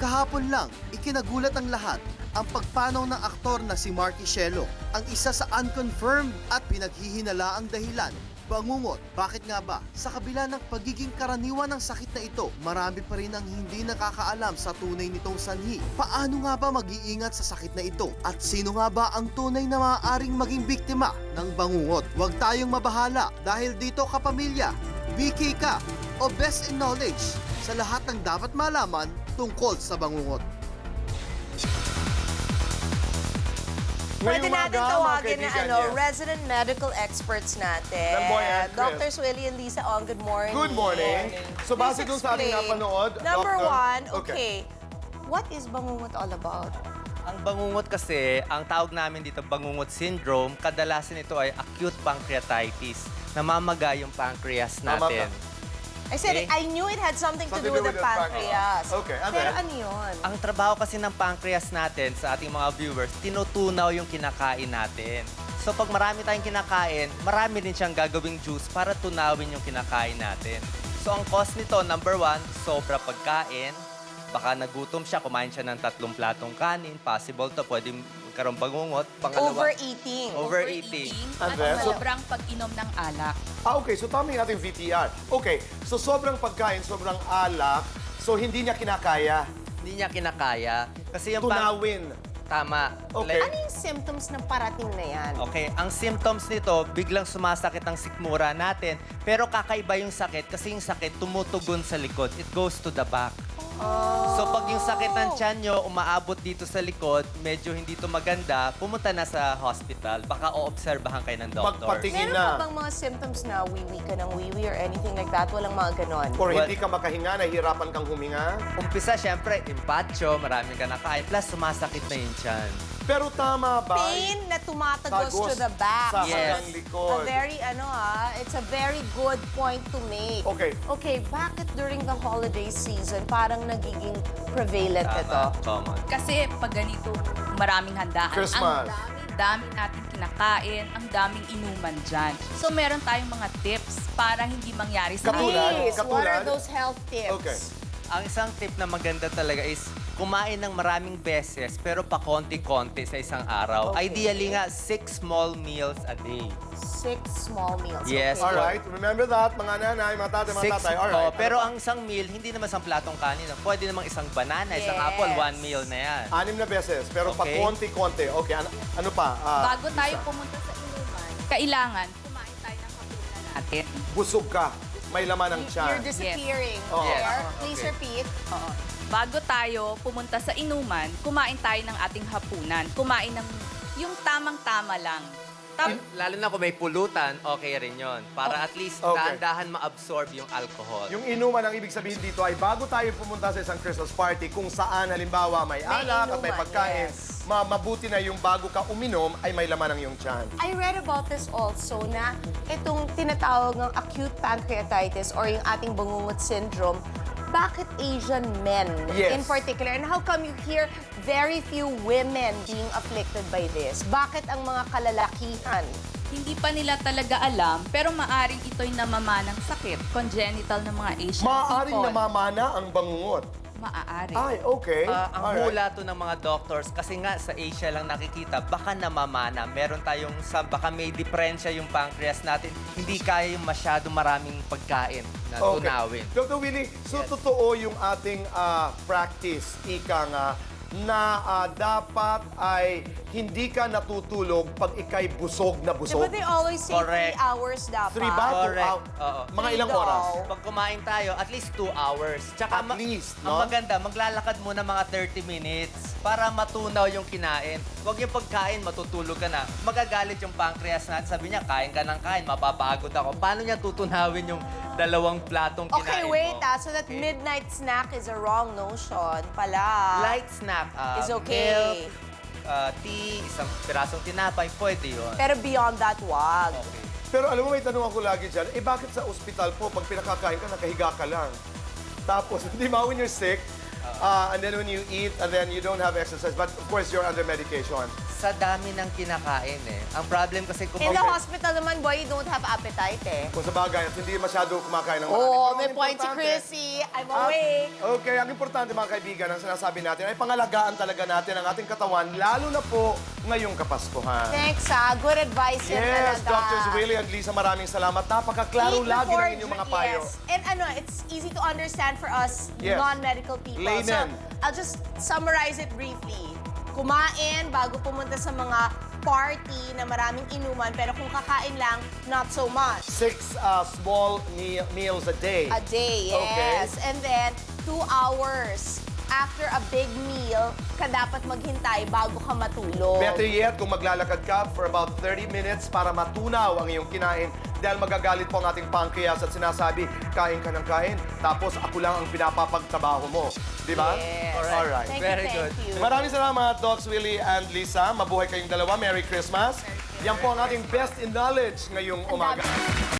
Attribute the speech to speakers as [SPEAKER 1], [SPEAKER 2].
[SPEAKER 1] Kahapon lang, ikinagulat ang lahat ang pagpanaw ng aktor na si Marky Shelo, ang isa sa unconfirmed at pinaghihinalaang dahilan. Bangungot, bakit nga ba? Sa kabila ng pagiging karaniwan ng sakit na ito, marami pa rin ang hindi nakakaalam sa tunay nitong sanhi. Paano nga ba mag-iingat sa sakit na ito? At sino nga ba ang tunay na maaaring maging biktima ng bangungot? Huwag tayong mabahala dahil dito kapamilya, BK ka o best in knowledge sa lahat ng dapat malaman tungkol sa bangungot.
[SPEAKER 2] Pwede natin tawagin na
[SPEAKER 3] yes.
[SPEAKER 2] resident medical experts natin.
[SPEAKER 3] Lamboy and Chris.
[SPEAKER 2] Drs. Willie and Lisa Ong, good morning.
[SPEAKER 3] Good morning. So base dun sa ating
[SPEAKER 2] explain.
[SPEAKER 3] napanood,
[SPEAKER 2] Number
[SPEAKER 3] Doctor-
[SPEAKER 2] one, okay. What is bangungot all about?
[SPEAKER 4] Ang bangungot kasi, ang tawag namin dito bangungot syndrome, kadalasan ito ay acute pancreatitis. Namamaga yung pancreas natin.
[SPEAKER 2] I said,
[SPEAKER 4] Okay.
[SPEAKER 2] I knew it had something to do with the pancreas.
[SPEAKER 3] Okay, and
[SPEAKER 2] Pero
[SPEAKER 3] then?
[SPEAKER 2] ano yun?
[SPEAKER 4] Ang trabaho kasi ng pancreas natin sa ating mga viewers, tinutunaw yung kinakain natin. So pag marami tayong kinakain, marami din siyang gagawing juice para tunawin yung kinakain natin. So ang cause nito, number one, sobra pagkain. Baka nagutom siya, kumain siya ng 3 platong kanin. Possible to, pwede magkaroon bangungot. Pangalawa,
[SPEAKER 2] Overeating.
[SPEAKER 4] overeating.
[SPEAKER 3] And
[SPEAKER 5] at
[SPEAKER 3] then?
[SPEAKER 5] sobrang pag-inom ng alak.
[SPEAKER 3] Okay, so tama yung ating VTR. Okay, so sobrang pagkain, sobrang alak, so hindi niya kinakaya.
[SPEAKER 4] Hindi niya kinakaya. Kasi yung
[SPEAKER 3] Tunawin.
[SPEAKER 4] Tama.
[SPEAKER 3] Okay.
[SPEAKER 2] Ano yung symptoms ng parating na yan?
[SPEAKER 4] Okay, ang symptoms nito, biglang sumasakit ang sikmura natin. Pero kakaiba yung sakit kasi yung sakit tumutugon sa likod. It goes to the back. So pag yung sakit ng tiyan nyo, umaabot dito sa likod, medyo hindi to maganda, pumunta na sa hospital. Baka oobserbahan kayo ng doktor.
[SPEAKER 3] Magpatingin
[SPEAKER 2] Meron
[SPEAKER 3] na.
[SPEAKER 2] pa bang mga symptoms na wiwi ka ng wiwi or anything like that? Walang mga ganon.
[SPEAKER 3] Or hindi ka makahinga, nahihirapan kang huminga.
[SPEAKER 4] Umpisa, syempre, impacho, marami ka nakain, plus sumasakit na yung tiyan.
[SPEAKER 3] Pero tama ba?
[SPEAKER 2] Pain na tumatagos
[SPEAKER 3] Tagos
[SPEAKER 2] to the back.
[SPEAKER 3] sa
[SPEAKER 4] Yes.
[SPEAKER 3] hanggang likod.
[SPEAKER 2] It's a very good point to make.
[SPEAKER 3] Okay.
[SPEAKER 2] Okay, bakit during the holiday season parang nagiging prevalent ito?
[SPEAKER 4] Common.
[SPEAKER 5] Kasi pag ganito, maraming handaan.
[SPEAKER 3] Christmas.
[SPEAKER 5] Ang dami natin kinakain, ang daming inuman dyan. So meron tayong mga tips para hindi mangyari sa
[SPEAKER 3] Katulad?
[SPEAKER 2] Please, what are
[SPEAKER 3] Katulad?
[SPEAKER 2] those health tips?
[SPEAKER 3] Okay.
[SPEAKER 4] Ang isang tip na maganda talaga is kumain ng maraming beses pero pa konti-konti sa isang araw.
[SPEAKER 2] Okay.
[SPEAKER 4] Ideally nga, 6 small meals a day.
[SPEAKER 2] 6 small meals.
[SPEAKER 4] Yes.
[SPEAKER 2] Okay.
[SPEAKER 3] Alright, remember that, mga nanay, mga tatay, mga tatay. Alright.
[SPEAKER 4] Pero
[SPEAKER 3] Ano pa?
[SPEAKER 4] ang isang meal, hindi naman isang platong kanin. Pwede namang isang banana, isang
[SPEAKER 2] Yes.
[SPEAKER 4] apple, 1 meal na yan.
[SPEAKER 3] 6 na beses, pero pa
[SPEAKER 4] Okay.
[SPEAKER 3] konti-konti. Okay, ano pa?
[SPEAKER 5] Bago tayo pumunta sa inuman, kailangan kumain tayo ng hapunan natin.
[SPEAKER 3] Busog ka, may laman ng
[SPEAKER 2] You're
[SPEAKER 3] tiyan.
[SPEAKER 2] disappearing.
[SPEAKER 3] Oh.
[SPEAKER 2] There.
[SPEAKER 4] Yes.
[SPEAKER 2] Please
[SPEAKER 3] Okay.
[SPEAKER 2] repeat.
[SPEAKER 5] Oo. Bago tayo pumunta sa inuman, kumain tayo ng ating hapunan. Kumain ng yung tamang-tama lang.
[SPEAKER 4] Lalo na kung may pulutan, okay rin yon. Para at least
[SPEAKER 3] Okay.
[SPEAKER 4] dahan-dahan ma-absorb yung alcohol.
[SPEAKER 3] Yung inuman, ang ibig sabihin dito ay bago tayo pumunta sa isang Christmas party, kung saan halimbawa may alak at may
[SPEAKER 2] inuman,
[SPEAKER 3] pagkain,
[SPEAKER 2] yes.
[SPEAKER 3] mabuti na yung bago ka uminom ay may laman ng iyong tiyan.
[SPEAKER 2] I read about this also na itong tinatawag ng acute pancreatitis or yung ating bangungot syndrome, bakit Asian men
[SPEAKER 3] Yes.
[SPEAKER 2] in particular? And how come you hear very few women being afflicted by this? Bakit ang mga kalalakihan?
[SPEAKER 5] Hindi pa nila talaga alam, pero maaring ito'y namamanang sakit, congenital ng mga Asian
[SPEAKER 3] Maaaring
[SPEAKER 5] people.
[SPEAKER 3] namamana ang bangungot.
[SPEAKER 5] Maaari.
[SPEAKER 3] Ay, okay.
[SPEAKER 4] Ang
[SPEAKER 3] Alright.
[SPEAKER 4] hula to ng mga doctors, kasi nga sa Asia lang nakikita, baka namamana. Meron tayong, baka may diferensya yung pancreas natin. Hindi kaya yung masyado maraming pagkain na tunawin.
[SPEAKER 3] Dr. Willie, so totoo yung ating practice, ika nga, na dapat ay hindi ka natutulog pag ikay busog na busog.
[SPEAKER 2] Diba they always say
[SPEAKER 4] Correct.
[SPEAKER 2] 3 hours dapat?
[SPEAKER 3] 3 ba? 2
[SPEAKER 4] Correct.
[SPEAKER 3] hours?
[SPEAKER 4] Oo.
[SPEAKER 3] Mga ilang
[SPEAKER 2] Three
[SPEAKER 3] oras?
[SPEAKER 2] daw.
[SPEAKER 4] Pag kumain tayo, at least 2 hours. Tsaka
[SPEAKER 3] At least,
[SPEAKER 4] ang
[SPEAKER 3] no?
[SPEAKER 4] maganda, maglalakad muna mga 30 minutes para matunaw yung kinain. Huwag yung pagkain, matutulog ka na. Magagalit yung pancreas natin. Sabi niya, kain ka ng kain, mapapagod ako. Paano niya tutunawin yung 2 platong kinain
[SPEAKER 2] Okay,
[SPEAKER 4] mo?
[SPEAKER 2] wait so that
[SPEAKER 4] Okay.
[SPEAKER 2] midnight snack is a wrong notion pala.
[SPEAKER 4] Light snack.
[SPEAKER 2] Is okay.
[SPEAKER 4] Milk, tea, isang pirasong tinapay, pwede yun.
[SPEAKER 2] Pero beyond that, wag.
[SPEAKER 4] Okay.
[SPEAKER 3] Pero alam mo, may tanong ako lagi dyan, bakit sa ospital po, pag pinakakain ka, nakahiga ka lang? Tapos, hindi ba when you're sick, and then when you eat, and then you don't have exercise. But of course, you're under medication.
[SPEAKER 4] Sa dami ng kinakain eh. Ang problem kasi kung
[SPEAKER 2] In the hospital naman, boy, you don't have appetite eh.
[SPEAKER 3] Kung sa bagay, at hindi masyado kumakain ng marami.
[SPEAKER 2] Oo,
[SPEAKER 3] Pero
[SPEAKER 2] may
[SPEAKER 3] ang
[SPEAKER 2] point si
[SPEAKER 3] importante-
[SPEAKER 2] Chrissy. I'm awake.
[SPEAKER 3] Okay, ang importante mga kaibigan, ang sinasabi natin ay pangalagaan talaga natin ang ating katawan, lalo na po ngayong Kapaskuhan.
[SPEAKER 2] Thanks, Good advice yan
[SPEAKER 3] Yes,
[SPEAKER 2] talaga.
[SPEAKER 3] Drs. Willie and Lisa, maraming salamat. Napakaklaro
[SPEAKER 2] Eat
[SPEAKER 3] lagi
[SPEAKER 2] before
[SPEAKER 3] ng inyong mga payo.
[SPEAKER 2] Yes. And it's easy to understand for us
[SPEAKER 3] Yes.
[SPEAKER 2] non-medical people.
[SPEAKER 3] Layman.
[SPEAKER 2] So, I'll just summarize it briefly. Kumain bago pumunta sa mga party na maraming inuman, pero kung kakain lang, not so much.
[SPEAKER 3] 6 small meals a day.
[SPEAKER 2] A day,
[SPEAKER 3] Okay.
[SPEAKER 2] yes. And then, 2 hours after a big meal, ka dapat maghintay bago ka matulog.
[SPEAKER 3] Better yet, kung maglalakad ka for about 30 minutes para matunaw ang iyong kinain dahil magagalit po ang ating pancreas at sinasabi, kain ka ng kain, tapos ako lang ang pinapapagtrabaho mo. Di ba?
[SPEAKER 2] Yes.
[SPEAKER 3] Alright.
[SPEAKER 2] Thank
[SPEAKER 4] Very
[SPEAKER 2] you,
[SPEAKER 4] good.
[SPEAKER 2] thank you.
[SPEAKER 3] Maraming salamat, Docs Willie and Lisa. Mabuhay kayong dalawa. Merry Christmas. Yan po ang ating best in knowledge ngayong umaga.